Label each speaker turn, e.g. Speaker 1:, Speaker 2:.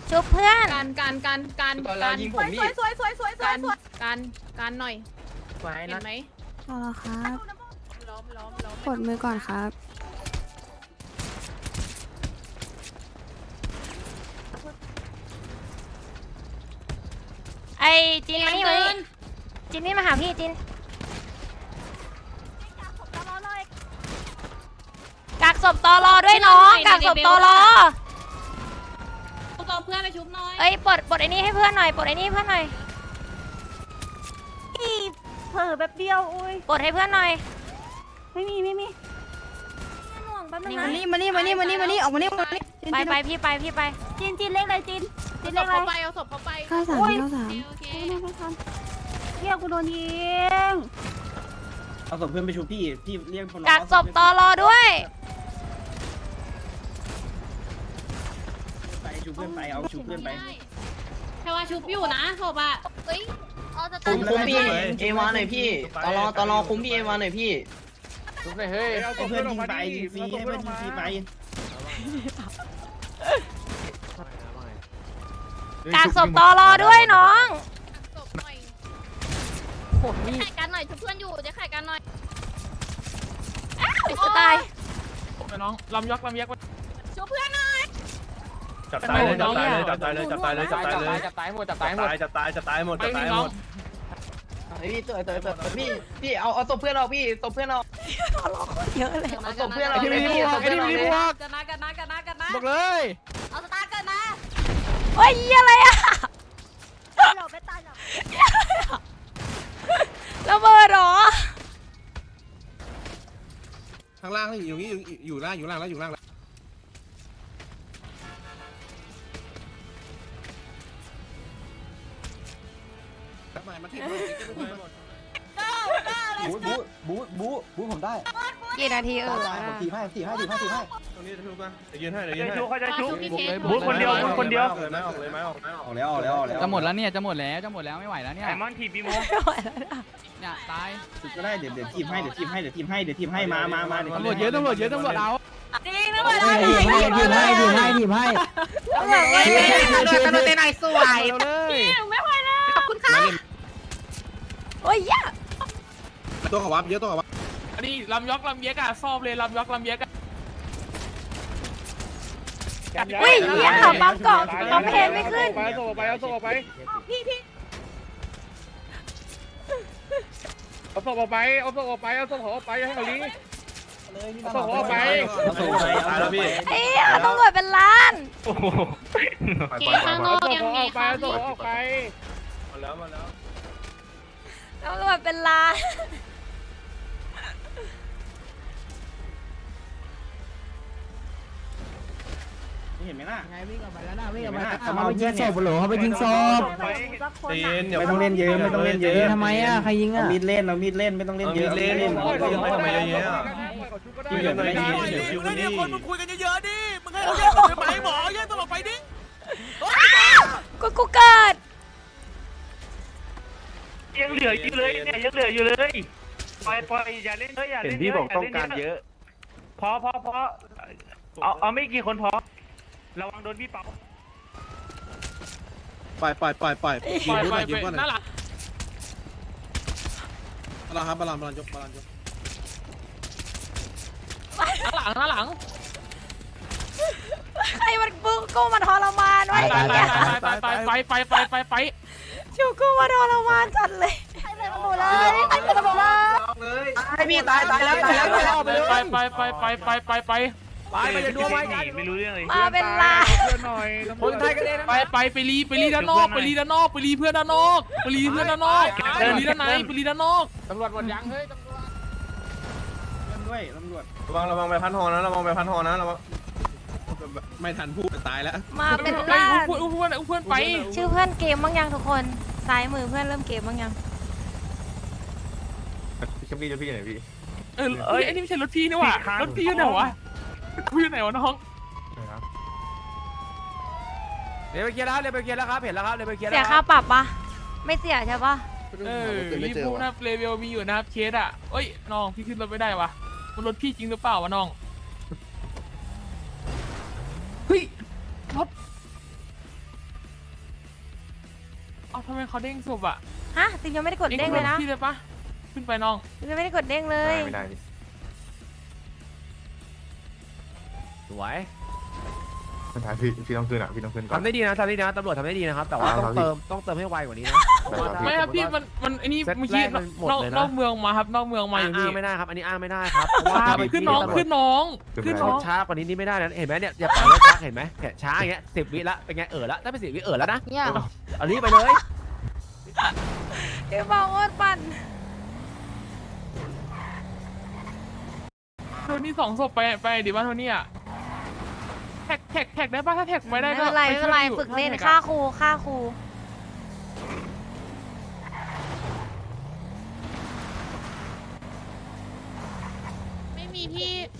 Speaker 1: ชุบเพื่อน
Speaker 2: การยิงผมนี่
Speaker 3: การหน่อยเห็นไหม
Speaker 4: เอาละครับ
Speaker 3: ล้อม
Speaker 4: กดมือก่อนครับ
Speaker 1: ไอ้จินมานี่เลยจินนี่มาหาพี่จินกักศพตอรอด้วยน้องกักศพตอรอ
Speaker 3: ตัวเพื่อนไปชุบหน่อย
Speaker 1: เอ้ยปลดไอ้นี่ให้เพื่อนหน่อยปลดไอ้นี่ให้เพื่อนหน่อย
Speaker 5: เผลอแบบเดียวอุ้ย
Speaker 1: ปลดให้เพื่อนหน่อย
Speaker 5: ไม่มีหน่วงแป๊บนึงนะ
Speaker 4: มานี่ออกมานี่มานี่
Speaker 1: ไปพี่ไป
Speaker 5: จีนเล็กเลยจีน
Speaker 3: เอาศ
Speaker 5: เล็
Speaker 3: พ
Speaker 5: กเล
Speaker 3: เขา
Speaker 5: ย
Speaker 3: ไปเอาศพเขาไป
Speaker 4: 93
Speaker 3: โอเค
Speaker 5: ไม่ทันเรียกกูโดนยิง
Speaker 2: เอาศพเพื่อนไปชูพี่เรียกคน
Speaker 1: กักศพตอรอด้วย
Speaker 2: ไปชูเพื่อนไปเอาชูเพื่อนไป
Speaker 3: แค่ว่าชุบอยู่นะศพอ่ะเฮ้ยเอาจะ
Speaker 2: คุ
Speaker 3: ตั้ง
Speaker 2: มพี่
Speaker 6: เอวาหน่อยพี่ตลอคุมพี่เอวาหน่อยพี่
Speaker 2: ชุบไปเฮ้ยเอาเพื่อนยิงไปยิงฟรีให้เพื่อนยิงฟรีไป
Speaker 1: กักศพตอรอด้วยน้อง
Speaker 3: ศพหน่อย
Speaker 1: โหนี่
Speaker 3: ไข่กันหน่อยชุบเพื่อนอยู่จะไข่กันหน่อย
Speaker 1: จะตาย
Speaker 7: น้องลำยักษ์
Speaker 3: ชุบเพื่อนหน่อย
Speaker 7: จับตายเลยจับตายเลยจับตายเลย
Speaker 6: จับตายหมด พี่พี่เอาศพเพื่อนเราพี่ศพเพื่อนเรา
Speaker 1: เยอะเลย
Speaker 6: เอาศพเพื่อนเราพี่ศพเพื่อนเรา
Speaker 3: กันนะ
Speaker 7: บอกเลย
Speaker 3: เอาสตาร์เกินนะ
Speaker 1: โอ้ยอะไรอะ
Speaker 5: เราไม่ตายหรอก
Speaker 1: ระเบิดเหรอ
Speaker 8: ข้างล่างนี่อยู่นี่อยู่ล่างแล้วทำไมมาที่บูผมได้
Speaker 1: กี่นาที
Speaker 8: ผมทีให้ตรงนี้ถูกป่ะยืนให้
Speaker 3: เขาจะชุบพี่เทส
Speaker 7: บูคนเดียวออกแล้ว
Speaker 8: จะหมดแล้วไม่ไหวแล้วเนี่ย
Speaker 7: ไอมอนทีบีโม
Speaker 8: เนี่ยตายก็ได้เดี๋ยวทีมให้มาเดี๋ยว
Speaker 7: ตำรวจเยอะเอา
Speaker 3: จริงนะเว้ย
Speaker 7: ตำรวจเตะไหนสวยเลย
Speaker 3: ไม่ไหวแล้วขอบคุณค่ะ
Speaker 1: โอ้ยยะ
Speaker 8: ตัวขวับเยอะตัวขวับ
Speaker 7: อันนี้ลำยักษ์ลำเย็กอะซอบเลยลำยักษ์ลำเย็กอะ
Speaker 1: อุ้ยเหี้ยปั๊มเกาะปั๊มเพนไม่ขึ้น
Speaker 7: เอาศพไปเอาศพไปเอาศพออกไปให้เขาลีเอาศพออกไป
Speaker 2: เอาศพไปเอาแล้วพี่
Speaker 1: ไอ้เหี้ยตำรวจเป็นล้าน
Speaker 3: เกข้างนอกยังไงคะ
Speaker 7: เอาศพออกไป
Speaker 2: มาแล้ว
Speaker 1: ตำรวจเป็นล้าน
Speaker 2: เห็นไหมล่ะ
Speaker 6: วิ่งออกไปแล้วนะวิ่งออกไป
Speaker 2: เขาไปยิงศพเหรอเขาไปยิงศพ ไม่ต้องเล่นเยอะทำไมอ่ะใครยิงอ่ะมีดเล่นไม่ต้องเล่นเยอะเล่น
Speaker 7: ทำไมเยอะ
Speaker 2: ที่เหลือไม่ได้ยิงเดี๋ยวคิวนี่
Speaker 7: คนมึงคุยกันเยอะๆดิมึงให้เขาแยกตัวไปหมอแยกตัวไปดิ
Speaker 1: กูเกิด
Speaker 7: ยังเหลืออยู่เลยเนี่ยยังเหลืออยู่เลยปล่อยอย่าเล่นเยอะอย่าเล่นเยอะเห็นพี่บอกต้องการเยอะพอเอาไม่กี่คนพอระวังโดนพี่เป๋า
Speaker 8: ปล่อยยืมก่อน
Speaker 7: น่ารัก
Speaker 8: บาลานยก
Speaker 7: หลัง
Speaker 1: ใครมันกูมาทรมานไว้
Speaker 7: ไป
Speaker 1: ชิวกูมาทรมานจัดเลย
Speaker 6: ให้พี่ตายแล้ว
Speaker 7: ไปจะดูไว้ไม่รู้เรื่องเลย
Speaker 1: มาเป็นล้าน
Speaker 7: คนไทยกันเองไปรีด้านนอกไปรีเพื่อนด้านนอกไปรีด้านนอกตำรวจหมดยังเฮ้ย
Speaker 2: ด้วยตำรวจ
Speaker 8: ระวังไปพันหอนะระวังไม่ทันพูดตายแล้ว
Speaker 1: มาเป็นล้าน
Speaker 7: อุ้มเพื่อนไป
Speaker 1: ชื่อเพื่อนเกมบ้างยังทุกคนซ้ายมือเพื่อนเริ่มเกมบ้างยัง
Speaker 8: พี่จะพี่ไหนพี่
Speaker 7: เอ้ยไอ้นี่ไม่ใช่รถพี่นี่หว่ารถพี่อยู่ไหนวะพี่อยู่ไหนวะน้อง
Speaker 6: เดี๋ยวไปเคลียร์แล้วครับเห็นแล้วครับเดี๋ยวไปเคลียร์
Speaker 1: เสียค่าปรับปะไม่เสียใช่ปะ
Speaker 7: รีบพูดนะเลเวลมีอยู่นะครับเคสอ่ะเอ้ยน้องพี่ขึ้นรถไม่ได้วะมันรถพี่จริงหรือเปล่าวะน้องเฮ้ยรถ
Speaker 9: ทำไมเขาเด้งศพอ่ะ
Speaker 1: ฮะติมยังไม่ได้กดเด้งเลยนะ
Speaker 9: พี่เลยปะขึ้นไปน้อง
Speaker 1: ติมยังไม่ได้กดเด้งเลย
Speaker 7: ไม่ได้ดิ
Speaker 10: สวย
Speaker 7: ไม่ได้พี่ต้องขึ้นอ่ะพี่ต้องขึ้นก่อน
Speaker 10: ทำได้ดีนะตำรวจทำได้ดีนะครับแต่ว่าต้องเติมให้ไวกว่านี้นะ
Speaker 9: ไม่ครับพี่มันไอ้นี่
Speaker 10: เซต
Speaker 9: เมื่อกี้
Speaker 10: แรกมันหมดเลยนะ
Speaker 9: นอกเมืองมาครับนอกเมืองมาอยู่
Speaker 10: อ้า
Speaker 9: พี่
Speaker 10: งไม่ได้ครับอันนี้อ้างไม่ได้ครับเพราะว่า
Speaker 9: ขึ้นน้องขึ้นน้องขึ้นน้อง
Speaker 10: ช้ากว่านี้นี่ไม่ได้นะเห็นไหมเนี่ยอย่าปล่อยรถช้าเห็นไหมแค่ช้าอย่างเงี้ย10 วิละเป็นไงละถ้าเป็น10 วิแล้วนะ
Speaker 1: เนี่ย
Speaker 10: เอารีบไปเลย
Speaker 1: เดี๋ยวบอกว่าปั่น
Speaker 9: โทนี่2 ศพไปดิบ้านโทนี่อ่ะแท็กได้ปะถ้าแท็กไม่ได้
Speaker 1: ไม่
Speaker 9: ก็
Speaker 1: เป็นไร
Speaker 9: ป
Speaker 1: ไม่
Speaker 9: ช่
Speaker 1: เป็
Speaker 9: วย
Speaker 1: นไร
Speaker 9: อยู่
Speaker 1: ฝึกเล่น
Speaker 9: ถ้าแท็กอะ
Speaker 1: ฆ่าครู
Speaker 3: ไม่มีที่